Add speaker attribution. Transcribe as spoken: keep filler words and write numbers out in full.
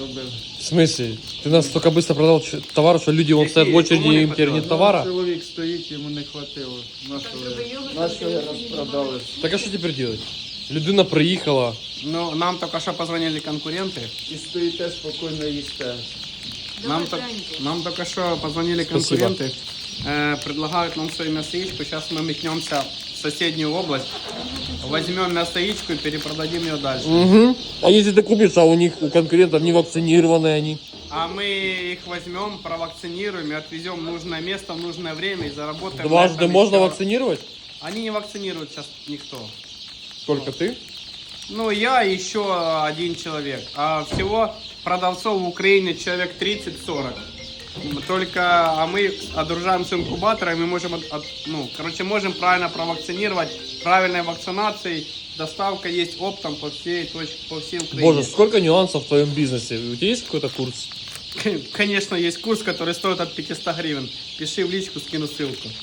Speaker 1: заробили.
Speaker 2: В смысле? Ты настолько быстро продал ч- товар, что люди вон стоят в очереди, им теперь нет товара?
Speaker 1: Чоловік стоїть, йому не хватило. Нашого, нашого розпродали.
Speaker 2: Так а что теперь делать? Людина приїхала.
Speaker 3: Ну, нам только что позвонили конкуренты.
Speaker 1: І стоїте спокійно їсте.
Speaker 3: Нам, то- нам только что позвонили
Speaker 2: Спасибо.
Speaker 3: конкуренты. Э, предлагают нам свою мясоичку. Сейчас мы метнемся в соседнюю область. Возьмем мясоичку и перепродадим ее дальше.
Speaker 2: Угу. А если ты купишь, а у них, у конкурентов не вакцинированные они?
Speaker 3: А мы их возьмем, провакцинируем и отвезем в нужное место в нужное время и заработаем. на
Speaker 2: Дважды
Speaker 3: этом
Speaker 2: можно
Speaker 3: еще.
Speaker 2: вакцинировать?
Speaker 3: Они не вакцинируют сейчас никто.
Speaker 2: Только ты?
Speaker 3: Ну, я и еще один человек. А всего продавцов в Украине человек тридцать-сорок. Только, а мы одружаемся инкубатором, мы можем, от- от- ну, короче, можем правильно провакцинировать, правильной вакцинацией. Доставка есть оптом по всей точке, по всей Украине.
Speaker 2: Боже, сколько нюансов в твоем бизнесе. У тебя есть какой-то курс?
Speaker 3: Конечно, есть курс, который стоит от пятисот гривен. Пиши в личку, скину ссылку.